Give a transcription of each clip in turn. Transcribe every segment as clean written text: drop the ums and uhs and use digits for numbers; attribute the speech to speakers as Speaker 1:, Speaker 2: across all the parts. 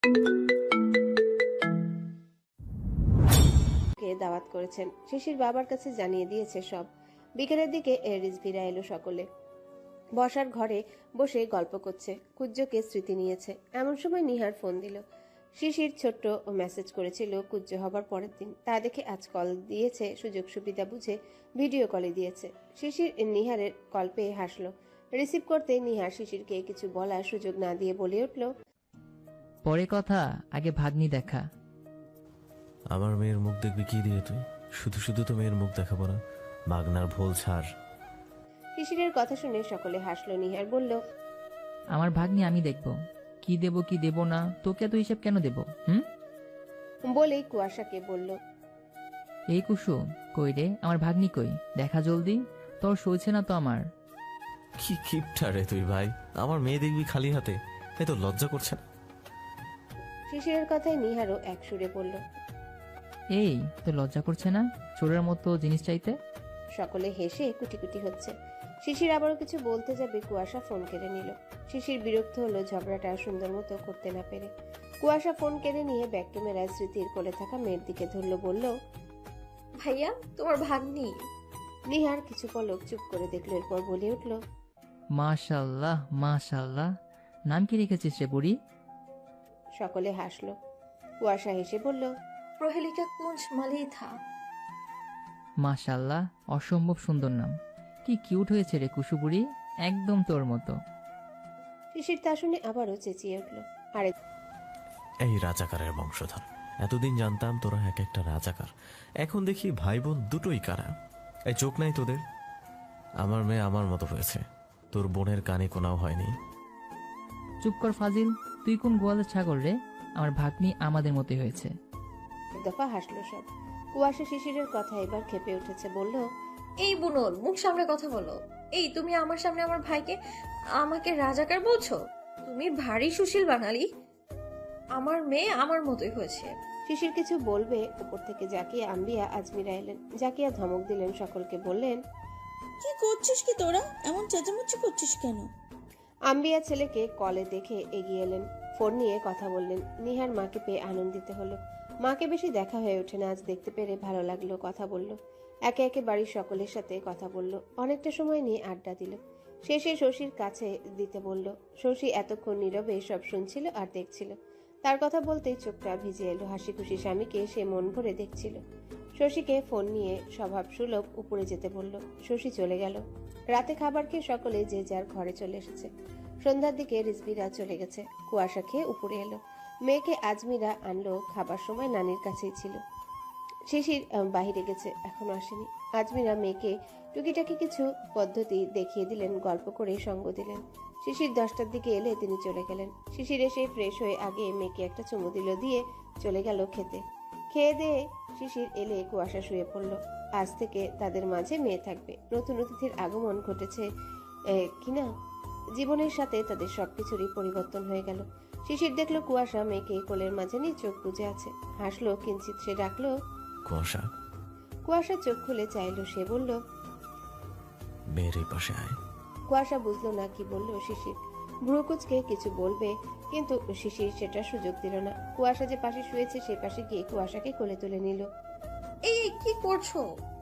Speaker 1: কে দাওয়াত করেছেন শিশির বাবার কাছে জানিয়ে দিয়েছে সব। বিকেলের দিকে রিজভিরা এলো সকলে। বসার ঘরে বসে গল্প করছে, কুজ্জকে স্মৃতি নিয়েছে। এমন সময় নিহার ফোন দিল। শিশির ছোট্ট মেসেজ করেছিল কুজ্জ হবার পরের দিন, তা দেখে আজ কল দিয়েছে। সুযোগ সুবিধা বুঝে ভিডিও কলে দিয়েছে। শিশির নিহারের কল পেয়ে হাসলো। রিসিভ করতে নিহার শিশিরকে কিছু বলার সুযোগ না দিয়ে বলে উঠল,
Speaker 2: পরে কথা, আগে ভাগ্নি দেখা।
Speaker 3: আমার মেয়ের মুখ দেখবি কি দিয়ে তুই? শুধু শুধু তো মেয়ের মুখ দেখাবো না, মাগনার ভোল ছাড়।
Speaker 1: শিশিরের কথা শুনে সকলে হাসলো। নিহার বলল,
Speaker 2: আমার ভাগ্নি আমি দেখব, কি দেব কি দেব না, তোকে এত হিসেব কেন দেব?
Speaker 1: বলেই কুয়াশাকে বলল,
Speaker 2: এই কুসুম, কই রে আমার ভাগ্নি কই? দেখা জলদি, তোর সইছে না তো আমার।
Speaker 3: কি কিপটা রে তুই ভাই, আমার মেয়ে দেখবি খালি হাতে, এ তো লজ্জা করছে না?
Speaker 1: শিশিরের কথায় নিহারও এক সুরে বলল,
Speaker 2: এই তো লজ্জা করছে না চোরের মতো জিনিস চাইতে?
Speaker 1: সকলে হেসে কুটি কুটি হচ্ছে। শিশির আবারও কিছু বলতে যাবে, কুয়াশা ফোন কেড়ে নিল। শিশির বিরক্ত হলো ঝগড়াটা সুন্দর মতো করতে না পেরে। কুয়াশা ফোন কেড়ে নিয়ে ব্যাক টু মেরাজ স্মৃতির কোলে থাকা মেয়ের দিকে ধরলো, বলল,
Speaker 4: ভাইয়া তোমার ভাগ্নি।
Speaker 1: নিহার কিছু পলক চুপ করে দেখলো, এরপর বলে উঠল,
Speaker 2: মাশাল্লাহ মাশাল্লাহ, নাম কি রেখেছিস রে বুড়ি?
Speaker 1: সকলে হাসলো। কুয়াশা হেসে বলল,
Speaker 4: প্রহেলিকা কুঞ্জ মালিথা।
Speaker 2: মাশাল্লাহ, অসম্ভব সুন্দর নাম। কি কিউট হয়েছে রে কুসু বুড়ি, একদম তোর মতো।
Speaker 1: শিশির তা শুনে আবারও চেঁচিয়ে উঠল, আরে
Speaker 3: এই রাজাকারের বংশধর, এতদিন জানতাম তোরা এক একটা রাজাকার, এখন দেখি ভাই বোন দুটোই কারা। এই চোখ নাই তোদের? আমার মেয়ে আমার মতো হয়েছে, তোর বোনের কানে কোনাও হয়নি।
Speaker 2: চুপ কর ফাজিল, তুই কোন গোয়ালের ছাগল রে? আমার ভাগ্নি আমাদের মতোই হয়েছে।
Speaker 1: এক দফা হাসলো সব। কুয়াশা শিশিরের কথা এবার খেপে উঠেছে, বলল,
Speaker 4: এই বুনল, মুখ সামনে কথা বলো। এই তুমি আমার সামনে আমার ভাইকে আমাকে রাজাকার বলছো? তুমি ভারী সুশীল বাঙালি। আমার মেয়ে আমার মতোই হয়েছে।
Speaker 1: শিশির কিছু বলবে, উপর থেকে জাকিয়া আম্বিয়া আজমিরা এলেন। জাকিয়া ধমক দিলেন সকলকে, বললেন,
Speaker 5: কি করছিস কি তোরা? এমন চেঁচামেচি করছিস কেন?
Speaker 1: আম্বিয়া ছেলেকে কলে দেখে এগিয়ে এলেন, ফোন নিয়ে কথা বললেন। নিহার মাকে পেয়ে আনন্দিত হলো। মাকে বেশি দেখা হয়ে ওঠে না, আজ দেখতে পেরে ভালো লাগলো। কথা বলল, একে একে বাড়ির সকলের সাথে কথা বলল, অনেকটা সময় নিয়ে আড্ডা দিল। শেষে শশীর কাছে দিতে বলল। শশী এতক্ষণ নীরবে সব শুনছিল আর দেখছিল। তার কথা বলতেই চোখটা ভিজে এলো। হাসি খুশি স্বামীকে সে মন ভরে দেখছিল। শশীকে ফোন নিয়ে স্বভাব সুলভ উপরে যেতে বলল। শশী চলে গেল। রাতে খাবার খেয়ে সকলে যে যার ঘরে চলে এসেছে। সন্ধ্যার দিকে রিজভিরা চলে গেছে। কুয়াশা খেয়ে উপরে এলো। মেয়েকে আজমিরা আনলো, খাবার সময় নানির কাছেই ছিল। শিশির বাহিরে গেছে, এখনো আসেনি। আজমিরা মেয়েকে টুকিটাকি কিছু পদ্ধতি দেখিয়ে দিলেন, গল্প করে সঙ্গ দিলেন। শিশির 10টার দিকে এলে তিনি চলে গেলেন। শিশির এসে ফ্রেশ হয়ে আগে মেয়েকে একটা চুমু দিল, দিয়ে চলে গেল খেতে। খেয়ে দিয়ে শিশির এলে কুয়াশা শুয়ে পড়ল। আজ থেকে তাদের মাঝে মেয়ে থাকবে। নতুন অতিথির আগমন ঘটেছে কিনা, জীবনের সাথে তাদের সবকিছুরই পরিবর্তন হয়ে গেল। শিশির দেখলো কুয়াশা মেয়েকে কোলের মাঝে নিয়ে চোখ বুজে আছে। হাসলো কিঞ্চিত, সে ডাকলো,
Speaker 3: কুয়াশা।
Speaker 1: কুয়াশা চোখ খুলে চাইলো, সে বলল,
Speaker 3: মেয়ের এই পাশে আয়।
Speaker 1: কুয়াশা বুঝলো না কি বলল শিশির। ভ্রুকুচকে কিছু বলবে, কিন্তু শিশির সেটা সুযোগ দিল না। কুয়াশা যে পাশে শুয়েছে সে পাশে গিয়ে কুয়াশাকে কোলে তুলে নিল।
Speaker 4: এই কি করছো?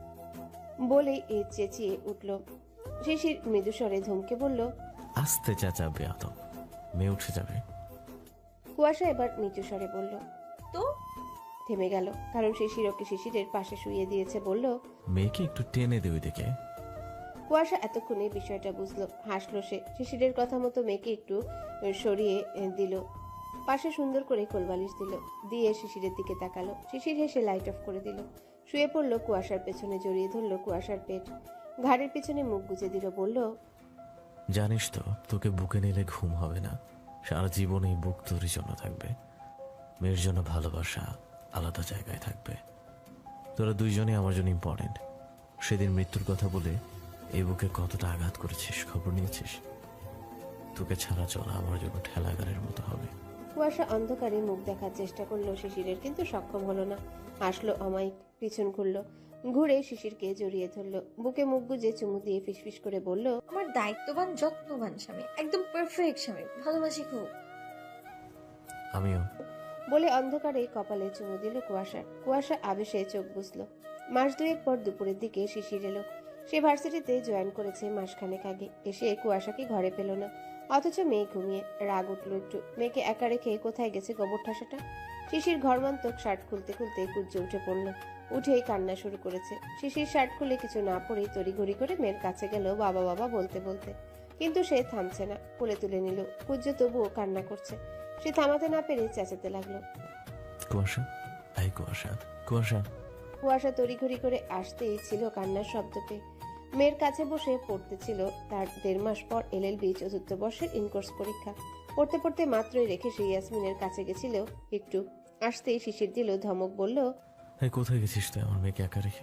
Speaker 1: বলেই চেঁচিয়ে উঠল। শিশির মৃদুস্বরে ধমকে বলল,
Speaker 3: আস্তে চেঁচাবে আদম, মেয়ে উঠে যাবে।
Speaker 1: কুয়াশা এবার নিচু স্বরে বলল।
Speaker 4: তো
Speaker 1: থেমে গেল, কারণ শিশির ওকে শিশিরের পাশে শুয়ে দিয়েছে। বলল,
Speaker 3: মেয়েকে একটু টেনে দে ওইদিকে।
Speaker 1: কুয়াশা এতক্ষণে বিষয়টা বুঝলো। হাসলো সে। শিশিরের কথা মতো মেয়েকে একটু সরিয়ে দিল, পাশে সুন্দর করে কোলবালিশ দিল, দিয়ে শিশিরের দিকে তাকালো। শিশির হেসে লাইট অফ করে দিল। শুয়ে পড়লো, কুয়াশার পেছনে জড়িয়ে ধরলো কুয়াশার পেট, ঘাড়ের পিছনে মুখ গুজে দিল। বলল,
Speaker 3: জানিস তো তোকে বুকে নিলে ঘুম হবে না, সারা জীবন এই বুক তোরই জন্য থাকবে। মেয়ের জন্য ভালোবাসা আলাদা জায়গায় থাকবে। তোরা দুইজনই আমার জন্য ইম্পর্টেন্ট। সেদিন মৃত্যুর কথা বলে এই বুকে কতটা আঘাত করেছিস খবর নিয়েছিস? তোকে ছাড়া চলা আমার জন্য ঠেলাগারের মতো হবে।
Speaker 1: কুয়াশা অন্ধকারে মুখ দেখার চেষ্টা করলো শিশিরের, কিন্তু সক্ষম হলো না। হাসলো অমায়িক, পিছন ঘুরলো, ঘুরে শিশিরকে জড়িয়ে ধরলো, বুকে মুখ গুজে চুমু দিয়ে ফিসফিস করে বলল,
Speaker 4: আমার দায়িত্ববান যত্নবান স্বামী, একদম পারফেক্ট স্বামী, ভালোবাসি খুব।
Speaker 3: আমিও।
Speaker 1: বলে অন্ধকারে কপালে চুমু দিল কুয়াশার। কুয়াশা আবেশে চোখ বুঝল। মাস দুয়েক পর দুপুরের দিকে শিশির এলো। সে ভার্সিটিতে জয়েন করেছে মাসখানেক আগে। এসে কুয়াশাকে ঘরে পেল না, অথচ মেয়ে ঘুমিয়ে। রাগ উঠল একটু। মেয়েকে একা রেখে কোথায় গেছে গোবর ঠাসাটা? শিশির ঘরমন্তক শার্ট খুলতে খুলতে কুজ্জে উঠে পড়ল। উঠেই কান্না শুরু করেছে। শিশির শার্ট খুলে কিছু না পরেই তড়িঘড়ি করে মেয়ের কাছে গেল বাবা বাবা বলতে বলতে, কিন্তু সে থামছে না। কোলে তুলে নিল। কুজ্জ তবুও কান্না করছে। সে থামাতে না পেরে চেঁচাতে লাগলো।
Speaker 3: কুয়াশা, এই কুয়াশা, কুয়াশা।
Speaker 1: কুয়াশা তড়িঘড়ি করে আসতেই ছিল কান্নার শব্দ পেয়ে। মেয়ের কাছে বসে পড়তেছিল তার 1.5 মাস পর LLB চতুর্থ বর্ষের ইনকোর্স পরীক্ষা। পড়তে পড়তে মাত্রই রেখে সে ইয়াসমিনের কাছে গেছিল। একটু আসতেই শিশির দিল ধমক, বলল,
Speaker 3: এই কোথায় গেছিস তুই আমার মেয়েকে একা রেখে?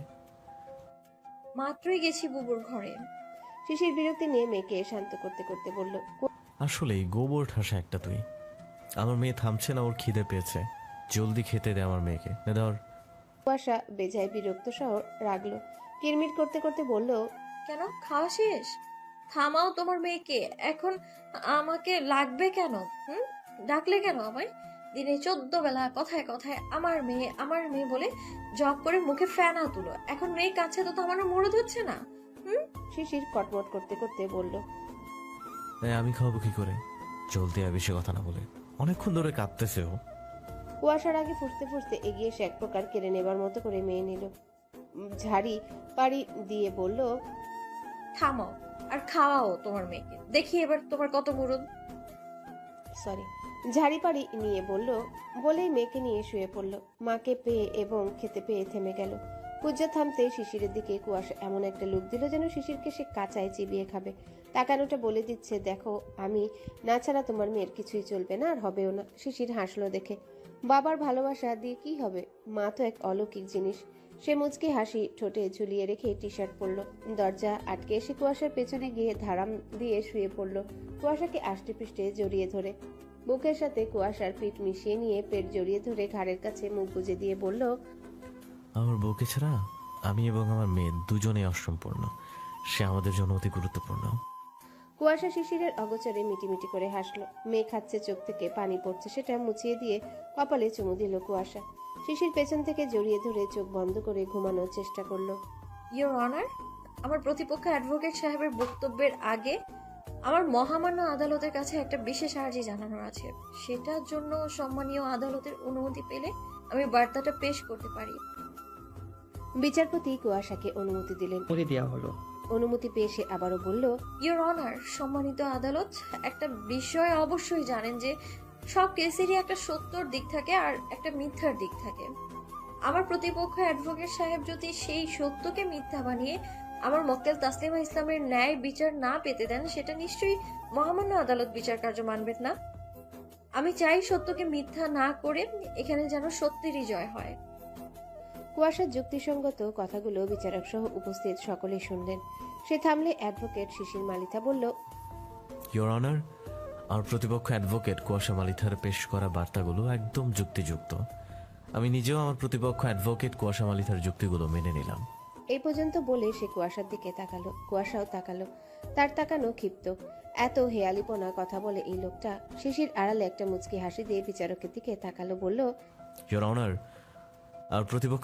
Speaker 4: মাত্রই গেছি বুবুর ঘরে।
Speaker 1: শিশির বিরক্তি নিয়ে মেয়েকে শান্ত করতে করতে বলল,
Speaker 3: আসলেই গোবর ঠাসা একটা তুই। আমার মেয়ে থামছে না, ওর খিদে পেয়েছে। জলদি খেতে দে আমার মেয়েকে, দে ধর।
Speaker 1: কুয়াশা বেজায় বিরক্ত সহ রাগলো। কিরমির করতে করতে বলল,
Speaker 4: কেন, খাওয়া শেষ? থামাও তোমার মেয়েকে। এখন আমাকে লাগবে কেন? ডাকলে কেন আমায়? দিনে 14 বেলা কথায় কথায় আমার মেয়ে আমার মেয়ে বলে জব করে মুখে ফেনা তুলো। এখন মেয়ে কাছে তো আমারও মরদ হচ্ছে না।
Speaker 1: শিশির কটমট করতে করতে বলল,
Speaker 3: আমি খাওয়াবো কি করে? জলদি আয়, বেশি কথা না বলে। অনেকক্ষণ ধরে কাঁদতেছে ও।
Speaker 1: কুয়াশার আগে ফুসতে ফুসতে এগিয়ে এসে এক প্রকার কেড়ে নেবার মতো করে মেয়ে নিল। ঝাড়ি পাড়ি দিয়ে বলল,
Speaker 4: থামাও আর খাওয়াও তোমার মেয়েকে। দেখি এবার তোমার কত মরদ।
Speaker 1: সরি, ঝাড়ি পাড়ি নিয়ে বলল, বলেই মেয়েকে নিয়ে শুয়ে পড়ল। মাকে পেয়ে এবং খেতে পেয়ে থেমে গেল। পূজা থামতে শিশিরের দিকে কুয়াশা এমন একটা লুক দিল যেন শিশিরকে সে কাঁচায় চিবিয়ে খাবে। তাকানোটা বলে দিচ্ছে, দেখো আমি না ছাড়া তোমার মেয়ের কিছুই চলবে না, আর হবেও না। শিশির হাসলো দেখে। বাবার ভালোবাসা দিয়ে কি হবে? মা তো এক অলৌকিক জিনিস। সে মুচকি হাসি ঠোঁটে ঝুলিয়ে রেখে টি শার্ট পরল। দরজা আটকে এসে কুয়াশার পেছনে গিয়ে ধারাম দিয়ে শুয়ে পড়ল, কুয়াশাকে আষ্টে পৃষ্ঠে জড়িয়ে ধরে। বুকের সাথে কুয়াশার পিঠ মিশিয়ে নিয়ে পেট জড়িয়ে ধরে ঘাড়ের কাছে মুখ গুজে দিয়ে বলল,
Speaker 3: আমার বউকে ছাড়া আমি এবং আমার মেয়ে দুজনেই অসম্পূর্ণ। সে আমাদের জন্য অতি গুরুত্বপূর্ণ।
Speaker 1: কুয়াশা শিশিরের অগোচরে মিটিমিটি করে হাসলো। মেয়ে খাচ্ছে, চোখ থেকে পানি পড়ছে, সেটা মুছিয়ে দিয়ে কপালে চুমু দিল কুয়াশা। শিশির পেছন থেকে জড়িয়ে ধরে চোখ বন্ধ করে ঘুমানোর চেষ্টা করলো।
Speaker 4: ইওর অনার, আমার প্রতিপক্ষ অ্যাডভোকেট সাহেবের বক্তব্যের আগে আমার মহামান্য আদালতের কাছে একটা বিশেষ আর্জি জানানোর আছে। সেটার জন্য সম্মানীয় আদালতের অনুমতি পেলে আমি বার্তাটা পেশ করতে পারি।
Speaker 1: বিচারপতি কুয়াশাকে অনুমতি দিলেন।
Speaker 2: দেওয়া হলো।
Speaker 1: অনুমতি পেয়ে সে আবারও বলল,
Speaker 4: ইওর অনার, সম্মানিত আদালত, একটা বিষয় অবশ্যই জানেন যে সব কেসেরই একটা সত্যর দিক থাকে আর একটা মিথ্যার দিক থাকে। আমার প্রতিপক্ষ অ্যাডভোকেট সাহেব যদি সেই সত্যকে মিথ্যা বানিয়ে আমার মক্কেল তাসলিমা ইসলামের ন্যায় বিচার না পেতে দেন, সেটা নিশ্চয়ই মহামান্য আদালত বিচার কার্য মানবেন না। আমি চাই সত্যকে মিথ্যা না করে এখানে যেন সত্যেরই জয় হয়।
Speaker 1: কুয়াশার যুক্তিসঙ্গত কথাগুলো বিচারক সহ উপস্থিত সকলেই শুনলেন। সে থামলে অ্যাডভোকেট শিশির মালিথা বলল,
Speaker 3: ইওর অনার, আমার প্রতিপক্ষ অ্যাডভোকেট কুয়াশা মালিথার পেশ করা বার্তাগুলো একদম যুক্তিযুক্ত। আমি নিজেও আমার প্রতিপক্ষ অ্যাডভোকেট কুয়াশা মালিথার যুক্তিগুলো মেনে নিলাম।
Speaker 1: এই পর্যন্ত বলে সে কুয়াশার দিকে তাকালো। কুয়াশাও তাকালো। তার তাকানো ক্ষিপ্ত। এত হেয়ালিপনা কথা বলে এই লোকটা। শিশির আড়ালে একটা মুচকি হাসি দিয়ে বিচারকের দিকে তাকালো, বলল,
Speaker 3: ইওর অনার, আর প্রতিপক্ষ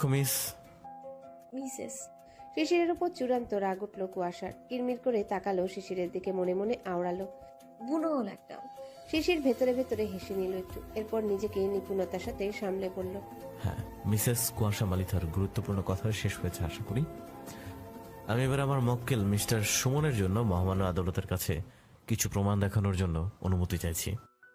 Speaker 4: মিসেস।
Speaker 1: শিশিরের উপর চূড়ান্ত রাগ উঠল কুয়াশার। কিরমির করে তাকালো শিশিরের দিকে, মনে মনে আওড়ালো।
Speaker 4: বুনো হল একটা।
Speaker 1: শিশির ভেতরে ভেতরে হেসে নিল একটু। এরপর নিজেকে নিপুণতার সাথে সামলে বলল,
Speaker 3: হ্যাঁ, মিসেস কুয়াশা মালিথার গুরুত্বপূর্ণ কথা শেষ হয়েছে আশা করি। আমি এবার আমার মক্কেল মিস্টার সুমনের জন্য মহামান্য আদালতের কাছে কিছু প্রমাণ দেখানোর জন্য অনুমতি চাইছি।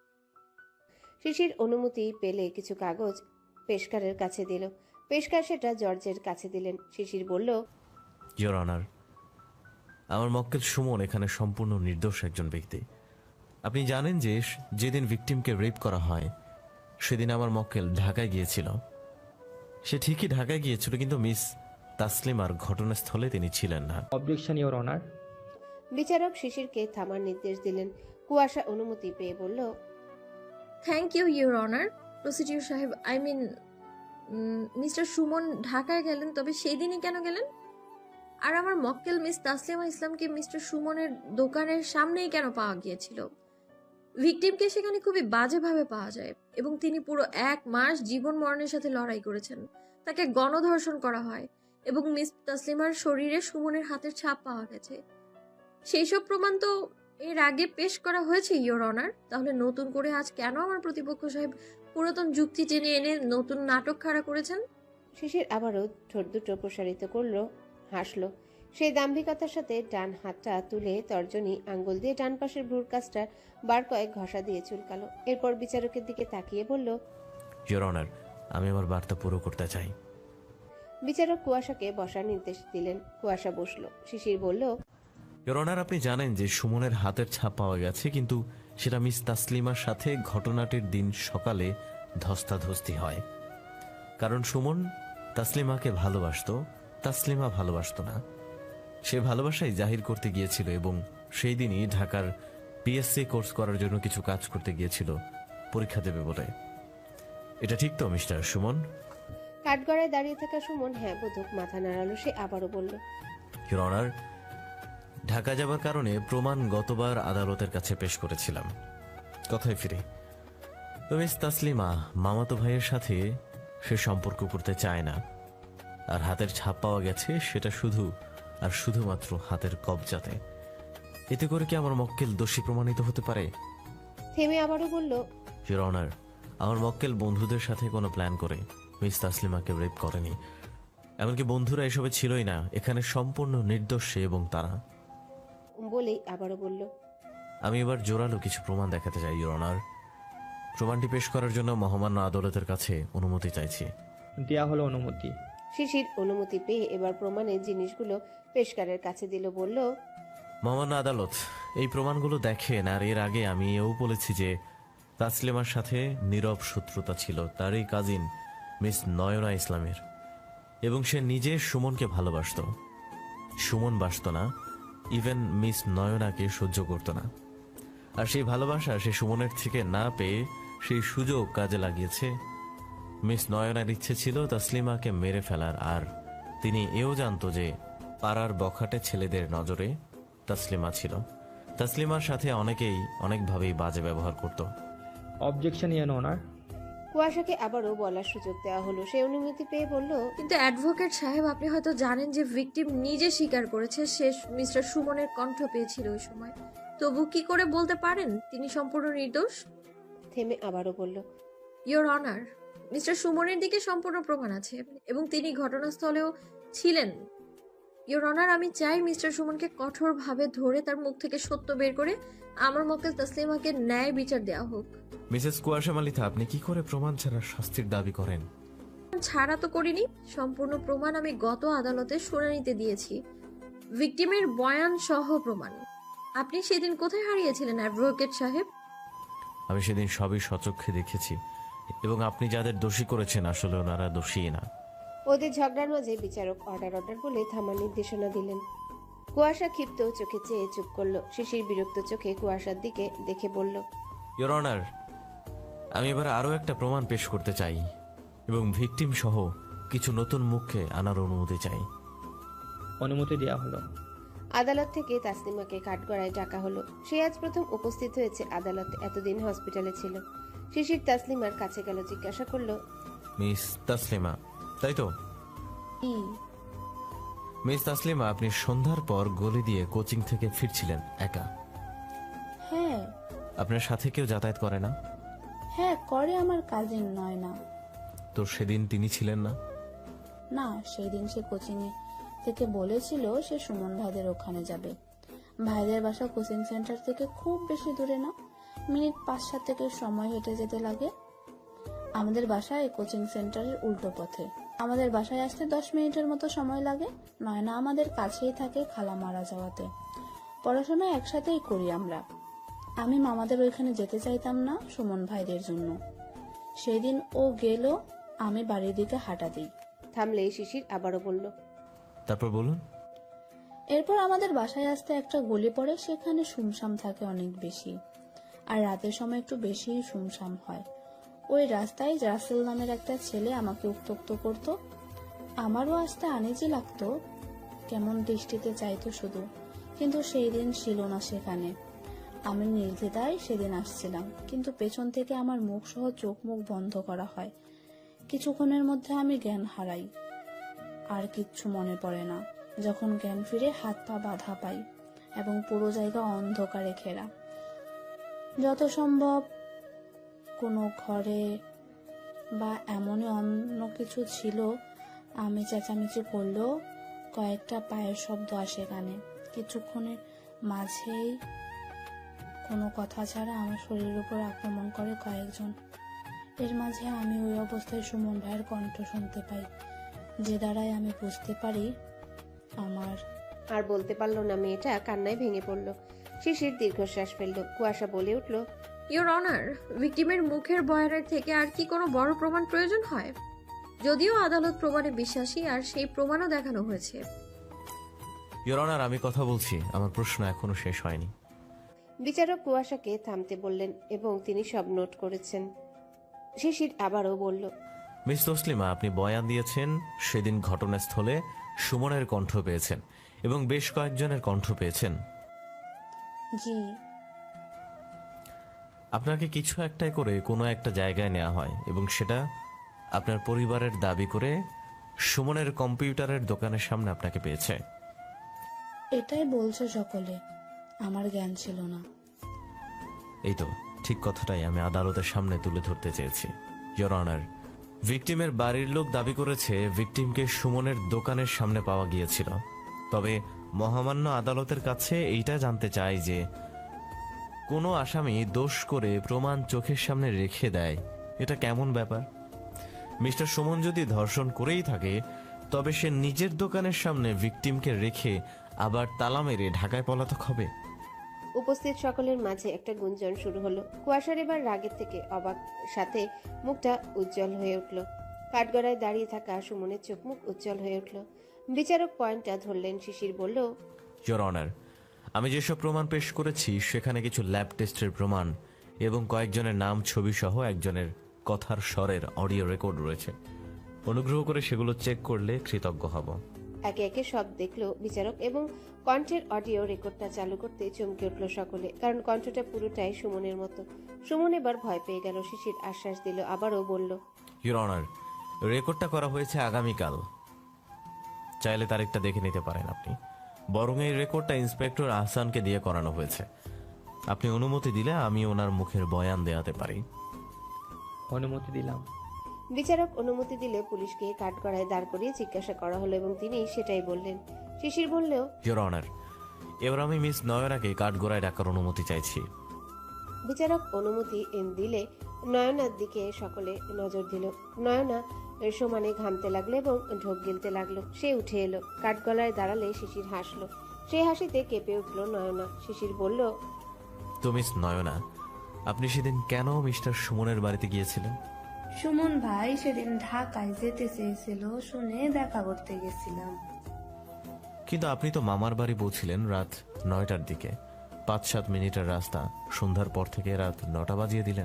Speaker 1: শিশির অনুমতি পেলে কিছু কাগজ পেশকারের কাছে দিল। পেশকার সেটা জর্জের কাছে দিলেন। শিশির বলল,
Speaker 3: ইওর অনার, আমার মক্কেল সুমন এখানে সম্পূর্ণ নির্দোষ একজন ব্যক্তি। আপনি জানেন যে যেদিন ভিকটিমকে রেপ করা হয় সেদিন আমার মক্কেল ঢাকায় গিয়েছিল। সে ঠিকই ঢাকায় গিয়েছিল, কিন্তু মিস তাসলিমার ঘটনাস্থলে তিনি ছিলেন না।
Speaker 2: Objection your honour.
Speaker 1: বিচারক শিশিরকে থামার নির্দেশ দিলেন। কুয়াশা অনুমতি পেয়ে বলল,
Speaker 4: thank you your honour. Procedure সাহেব, আই মিন মিস্টার সুমন ঢাকায় গেলেন, তবে সেই দিনই কেন গেলেন? আর আমার মক্কেল মিস তাসলিমা ইসলামকে মিস্টার সুমনের দোকানের সামনেই কেন পাওয়া গিয়েছিল? ভিকটিমকে সেখানে খুবই বাজেভাবে পাওয়া যায় এবং তিনি পুরো 1 মাস জীবন মরণের সাথে লড়াই করেছেন। তাকে গণধর্ষণ করা হয় এবং মিস তাসলিমার শরীরে সুমনের হাতের ছাপ পাওয়া গেছে। সেই সব প্রমাণ তো এর আগে পেশ করা হয়েছে ইওর অনার। তাহলে নতুন করে আজ কেন আমার প্রতিপক্ষ সাহেব পুরাতন যুক্তি টেনে এনে নতুন নাটক খাড়া করেছেন?
Speaker 1: শিশির আবারও ঠোঁট দুটো প্রসারিত করলো, হাসলো। সেই দাম্ভিকতার সাথে ডান হাতটা তুলে তর্জনী আঙ্গুল দিয়ে ডান পাশের ভ্রুর কাছটা বার কয়েক ঘষা দিয়ে চুলকালো। এরপর বিচারকের দিকে তাকিয়ে বলল,
Speaker 3: ইওর অনার, আমি আমার বার্তা পুরো করতে চাই।
Speaker 1: বিচারক কুয়াশাকে বসার নির্দেশ দিলেন। কুয়াশা বসলো। শিশির বলল,
Speaker 3: ইওর অনার, আপনি জানেন যে সুমনের হাতের ছাপ পাওয়া গেছে, কিন্তু সেটা মিস তাসলিমার সাথে ঘটনাটির দিন সকালে ধস্তাধস্তি হয়। কারণ সুমন তাসলিমাকে ভালোবাসতো, তাসলিমা ভালোবাসতো না। সে ভালোবাসাই জাহির করতে গিয়েছিল এবং সেই দিনই ঢাকার পিএসসি কোর্স করার জন্য কিছু কাজ করতে গিয়েছিল পরীক্ষা দেবে বলে। এটা ঠিক তো মিস্টার সুমন?
Speaker 1: কাঠগড়ায় দাঁড়িয়ে থাকা সুমন হ্যাঁ বোধক মাথা নাড়ালো। সে আবারও বলল,
Speaker 3: ইওর অনার, ঢাকা যাবার কারণে প্রমাণ গতবার আদালতের কাছে পেশ করেছিলাম। কথায় ফিরে, তো মিস তাসলিমা মামাতো ভাইয়ের সাথে সে সম্পর্ক করতে চায় না। আর হাতের ছাপ পাওয়া গেছে সেটা শুধু আর শুধুমাত্র হাতের কবজাতে। এতে করে কি আমার মক্কেল দোষী প্রমাণিত হতে পারে?
Speaker 1: থেমে আবারও বলল,
Speaker 3: ইওর অনার, আমার মক্কেল বন্ধুদের সাথে কোনো প্ল্যান করে মিস তাসলিমাকে রেপ করেনি। এমনকি বন্ধুরা এসবে ছিলই না। এখানে সম্পূর্ণ নির্দোষ সে এবং তারা।
Speaker 1: বলেই আবারও বলল,
Speaker 3: আমি এবার জোরালো কিছু প্রমাণ দেখাতে চাই ইওর অনার। প্রমাণটি পেশ করার জন্য মহামান্য আদালতের কাছে অনুমতি চাইছি।
Speaker 6: দেয়া হলো অনুমতি।
Speaker 1: শিশির অনুমতি পেয়ে এবার প্রমাণের জিনিসগুলো পেশকারের কাছে দিল। বলল,
Speaker 3: মহামান্য আদালত, এই প্রমাণগুলো দেখেন। আর এর আগে আমি এও বলেছি যে তাসলিমার সাথে নীরব শত্রুতা ছিল তারই কাজিন মিস নয়না ইসলামের, এবং সে নিজে সুমনকে ভালোবাসতো। সুমন বাসত না, ইভেন মিস নয়নাকে সহ্য করত না। আর সেই ভালোবাসা সে সুমনের থেকে না পেয়ে সেই সুযোগ কাজে লাগিয়েছে। মিস নয়নার ইচ্ছে ছিল তাসলিমাকে মেরে ফেলার, আর তিনি এও জানতো যে পাড়ার বখাটে ছেলেদের নজরে তাসলিমা ছিল। তাসলিমার সাথে অনেকেই অনেকভাবেই বাজে ব্যবহার করত।
Speaker 6: Objection your honour.
Speaker 1: কুয়াশাকে আবারও বলার সুযোগ দেওয়া হলো। সে অনুমতি পেয়ে বলল,
Speaker 4: কিন্তু অ্যাডভোকেট সাহেব, আপনি হয়তো জানেন যে ভিকটিম নিজে স্বীকার করেছে সে মিস্টার সুমনের কণ্ঠ পেয়েছিল ওই সময়। তবু কি করে বলতে পারেন তিনি সম্পূর্ণ নির্দোষ?
Speaker 1: থেমে আবারও বলল,
Speaker 4: ইওর অনার, মিস্টার সুমনের দিকে সম্পূর্ণ প্রমাণ আছে এবং তিনি ঘটনাস্থলেও ছিলেন। ইওর অনার, আমি চাই মিস্টার সুমনকে কঠোরভাবে ধরে তার মুখ থেকে সত্য বের করে আমার মক্কেল তাসলিমাকে ন্যায় বিচার দেওয়া হোক।
Speaker 3: মিসেস কুয়াশা মালিথা, আপনি কি করে প্রমাণ ছাড়া শাস্তির দাবি করেন?
Speaker 4: ছাড়া তো করিনি, সম্পূর্ণ প্রমাণ আমি গত আদালতে শুনানিতে দিয়েছি, ভিকটিমের বয়ান সহ প্রমাণ। আপনি সেদিন কোথায় হারিয়েছিলেন অ্যাডভোকেট সাহেব?
Speaker 3: আমি সেদিন সবই সচক্ষে দেখেছি, এবং আপনি যাদের দোষী করেছেন আসলে ওনারা দোষী না।
Speaker 1: ওদের ঝগড়ার মাঝে বিচারক অর্ডার বলে থামার নির্দেশনা দিলেন। কুয়াশা ক্ষিপ্ত চোখে চেয়ে চুপ করলো। শিশির বিরক্ত চোখে কুয়াশার দিকে দেখে বলল,
Speaker 3: ইওর অনার, আমি এবার আরও একটা প্রমাণ পেশ করতে চাই এবং ভিকটিম সহ কিছু নতুন মুখকে আনার অনুমতি চাই।
Speaker 6: অনুমতি দেয়া হলো।
Speaker 1: আদালত থেকে তাসলিমাকে কাঠগড়ায় ডাকা হলো। সে আজ প্রথম উপস্থিত হয়েছে আদালতে, এতদিন হসপিটালে ছিল। শিশির তাসলিমার কাছে গেল, জিজ্ঞাসা করলো,
Speaker 3: মিস তাসলিমা, তাই তো? মিস তাসলিমা, আপনি সন্ধ্যার পর গলি দিয়ে কোচিং থেকে ফিরছিলেন একা।
Speaker 5: হ্যাঁ
Speaker 3: আপনার সাথে কেউ যাতায়াত করে না?
Speaker 5: হ্যাঁ করে, আমার কাজিন নয়না।
Speaker 3: তো সেদিন তিনি ছিলেন না?
Speaker 5: না, সেই দিন সে কোচিং থেকে বলেছিল সে সুমন ভাইদের ওখানে যাবে। ভাইদের বাসা কোচিং সেন্টার থেকে খুব বেশি দূরে না, মিনিট 5-7 থেকে সময় হেঁটে যেতে লাগে। আমাদের বাসায় কোচিং সেন্টারের উল্টো পথে। আমাদের বাসায় আসতে 10 মিনিটের মতো সময় লাগে। নয়না আমাদের কাছেই থাকে, খালা মারা যাওয়াতে। পড়াশোনা একসাথেই করি আমরা। আমি মামাদের ওইখানে যেতে চাইতাম না সুমন ভাইদের জন্য। সেদিন ও গেল, আমি বাড়ির দিকে হাঁটা দিই।
Speaker 1: থামলেই শিশির আবারও বলল,
Speaker 3: তারপর বলুন।
Speaker 5: এরপর আমাদের বাসায় আসতে একটা গলি পড়ে, সেখানে শুমশাম থাকে অনেক বেশি, আর রাতের সময় একটু বেশি শুমশাম হয়। ওই রাস্তায় রাসেল নামের একটা ছেলে আমাকে উত্ত্যক্ত করত। আমারও আসতে আনিজি লাগতো, কেমন দৃষ্টিতে চাইতো শুধু, কিন্তু সেই দিন ছিল না সেখানে। আমি নির্দ্বিধায় সেদিন আসছিলাম, কিন্তু পেছন থেকে আমার মুখ সহ চোখ মুখ বন্ধ করা হয়। কিছুক্ষণের মধ্যে আমি জ্ঞান হারাই, আর কিচ্ছু মনে পড়ে না। যখন জ্ঞান ফিরে হাত পা বাঁধা পাই এবং পুরো জায়গা অন্ধকারে ঘেরা। যত সম্ভব কোনো ঘরে বা এমনই অন্য কিছু ছিল। আমি চেঁচামেচি করলেও কয়েকটা পায়ের শব্দ আসে কানে। কিছুক্ষণের মাঝেই কোনো কথা ছাড়া আমার শরীরের উপর আক্রমণ করে কয়েকজন। এর মাঝে আমি ওই অবস্থায় সুমন ভাইয়ের কণ্ঠ শুনতে পাই, যে দ্বারাই আমি বুঝতে পারি আমার।
Speaker 1: আর বলতে পারলো না মেয়েটা, কান্নায় ভেঙে পড়ল। শিশির দীর্ঘশ্বাস ফেলল। কুয়াশা বলে উঠল,
Speaker 4: ইওর অনার, ভিকটিমের মুখের বয়ানের থেকে আর কি কোনো বড় প্রমাণ প্রয়োজন হয়? যদিও আদালত প্রমাণে বিশ্বাসী, আর সেই প্রমাণও দেখানো হয়েছে।
Speaker 3: ইওর অনার, আমি কথা বলছি, আমার প্রশ্ন এখনো শেষ হয়নি।
Speaker 1: বিচারক কুয়াশাকে থামতে বললেন এবং তিনি সব নোট করেছেন। শিশির আবারও বলল,
Speaker 3: মিস তসলিমা, আপনি বয়ান দিয়েছেন সেদিন ঘটনাস্থলে সুমনের কণ্ঠ পেয়েছেন এবং বেশ কয়েকজনের কণ্ঠ পেয়েছেন।
Speaker 5: জি।
Speaker 3: আপনাকে কিছু একটাই করে কোনো একটা জায়গায় নেওয়া হয় এবং সেটা আপনার পরিবারের দাবি করে সুমনের কম্পিউটারের দোকানের সামনে আপনাকে পেয়েছে।
Speaker 5: এটাই বলছে সকলে, আমার জ্ঞান ছিল না।
Speaker 3: এই তো ঠিক কথাটাই আমি আদালতের সামনে তুলে ধরতে চেয়েছি। ইওর অনার, ভিকটিমের বাড়ির লোক দাবি করেছে ভিকটিমকে সুমনের দোকানের সামনে পাওয়া গিয়েছিল। তবে মহামান্য আদালতের কাছে এইটা জানতে চাই যে কোনো আসামি দোষ করে প্রমাণ চোখের সামনে রেখে দেয়, এটা কেমন ব্যাপার? মিস্টার সুমন যদি ধর্ষণ করেই থাকে, তবে সে নিজের দোকানের সামনে ভিকটিমকে রেখে আবার তালা মেরে ঢাকায় পলাতক হবে।
Speaker 1: উপস্থিত সকলের মাঝে একটা গুঞ্জন শুরু হলো। কুয়াশার এবার রাগের থেকে অবাক, সাথে মুখটা উজ্জ্বল হয়ে উঠল। কাঠগড়ায় দাঁড়িয়ে থাকা সুমনের চোখ মুখ উজ্জ্বল হয়ে উঠল। বিচারক পয়েন্টটা ধরলেন। শিশির বলল,
Speaker 3: ইওর অনার, আমি যেসব প্রমাণ পেশ করেছি সেখানে কিছু ল্যাব টেস্টের প্রমাণ এবং কয়েকজনের নাম, ছবি সহ একজনের কথার স্বরের অডিও রেকর্ড রয়েছে। অনুগ্রহ করে সেগুলো চেক করলে কৃতজ্ঞ হব।
Speaker 1: একে একে সব দেখলো বিচারক এবং কণ্ঠের অডিও রেকর্ডটা চালু করতে চমকে উঠল সকলে, কারণ কণ্ঠটা পুরোটাই সুমনের মতো। সুমন এবার ভয় পেয়ে গেল। শিশির আশ্বাস দিল, আবারও বলল,
Speaker 3: ইওর অনার, রেকর্ডটা করা হয়েছে আগামীকাল, চাইলে তারিখটা দেখে নিতে পারেন আপনি। বরং এই রেকর্ডটা ইন্সপেক্টর আহসানকে দিয়ে করানো হয়েছে। আপনি অনুমতি দিলে আমি ওনার মুখের বয়ান দেওয়াতে পারি।
Speaker 6: অনুমতি দিলাম।
Speaker 1: বিচারক অনুমতি দিলে পুলিশকে কাঠগড়ায় দাঁড় করিয়ে জিজ্ঞাসা করা হলো এবং তিনি সেটাই বললেন। শিশির বললেও,
Speaker 3: ইওর অনার, এবার আমি মিস নয়নাকে কাঠগড়ায় ডাকার অনুমতি চাইছি।
Speaker 1: বিচারক অনুমতি দিলে নয়নার দিকে সকলে নজর দিল। নয়না সমানে ঘামতে লাগলো এবং ঢোক গিলতে লাগলো। সে উঠে এলো। কাঠগড়ায় দাঁড়ালে শিশির হাসলো। সেই হাসিতে কেঁপে উঠল নয়না। শিশির বলল,
Speaker 3: তো মিস নয়না, আপনি সেদিন কেন মিস্টার সুমনের বাড়িতে গিয়েছিলেন?
Speaker 5: সুমন ভাই সেদিন ঢাকায় যেতে চেয়েছিল শুনে দেখা করতে গেছিলাম।
Speaker 3: কিন্তু আপনি তো মামার বাড়ি পৌঁছিলেন রাত 9টার দিকে। 5-7 মিনিটের রাস্তা, সন্ধ্যার পর থেকে রাত 9টা বাজিয়ে দিলেন।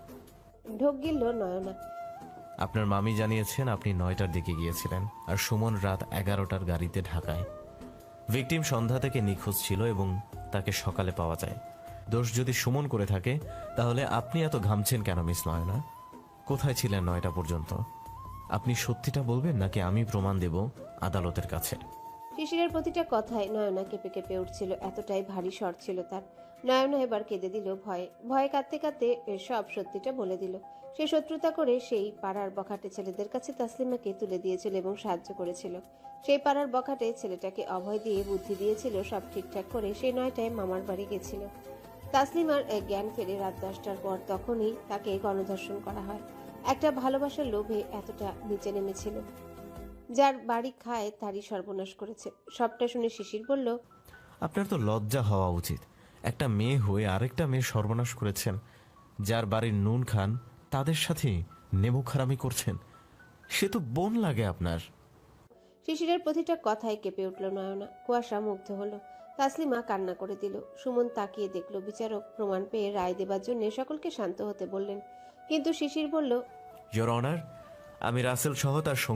Speaker 1: ঢোক গিলল নয়না।
Speaker 3: আপনার মামি জানিয়েছেন আপনি 9টার দিকে গিয়েছিলেন আর সুমন রাত 11টার গাড়িতে ঢাকায়। ভিকটিম সন্ধ্যা থেকে নিখোঁজ ছিল এবং তাকে সকালে পাওয়া যায়। দোষ যদি সুমন করে থাকে, তাহলে আপনি এত ঘামছেন কেন মিস নয়না? কোথায় ছিলেন 9টা পর্যন্ত? আপনি সত্যিটা বলবেন নাকি আমি প্রমাণ দেব আদালতের কাছে?
Speaker 1: শিশিরের প্রতিটা কথায় নয়না কেঁপে কেঁপে উঠছিল, এতটাই ভারী স্বর ছিল তার। নয়না এবার কেঁদে দিল ভয়ে। ভয়ে কাঁদতে কাঁদতে সব সত্যিটা বলে দিল। সে শত্রুতা করে সেই পাড়ার বখাটে ছেলেদের কাছে তাসলিমাকে তুলে দিয়েছিল এবং সাহায্য করেছিল। সেই পাড়ার বখাটে ছেলেটাকে অভয় দিয়ে বুদ্ধি দিয়েছিল সব ঠিকঠাক করে সে 9টায় মামার বাড়ি গেছিল। তাসলিমার জ্ঞান ফেরে রাত 10টার পর, তখনই তাকে গণধর্ষণ করা হয়। একটা ভালোবাসার লোভে এতটা নিচে নেমেছিল। যার বাড়ি খায় তারই সর্বনাশ করেছে। সবটা শুনে শিশির বলল,
Speaker 3: আপনার তো লজ্জা হওয়া উচিত। একটা মেয়ে হয়ে আরেকটা মেয়ে সর্বনাশ করেছেন। যার বাড়ির নুন খান তাদের সাথে নেমুখারামি করছেন। সে তো বোন লাগে আপনার।
Speaker 1: শিশিরের প্রতিটা কথায় কেঁপে উঠল নয়না। কুয়াশা মুগ্ধ হলো। তাসলিমা কান্না করে দিল। সুমন তাকিয়ে দেখল। বিচারক প্রমাণ পেয়ে রায় দেবার জন্য সকলকে শান্ত হতে বললেন, কিন্তু শিশির বলল,
Speaker 3: ইওর অনার, আমি রাসেল সহ তার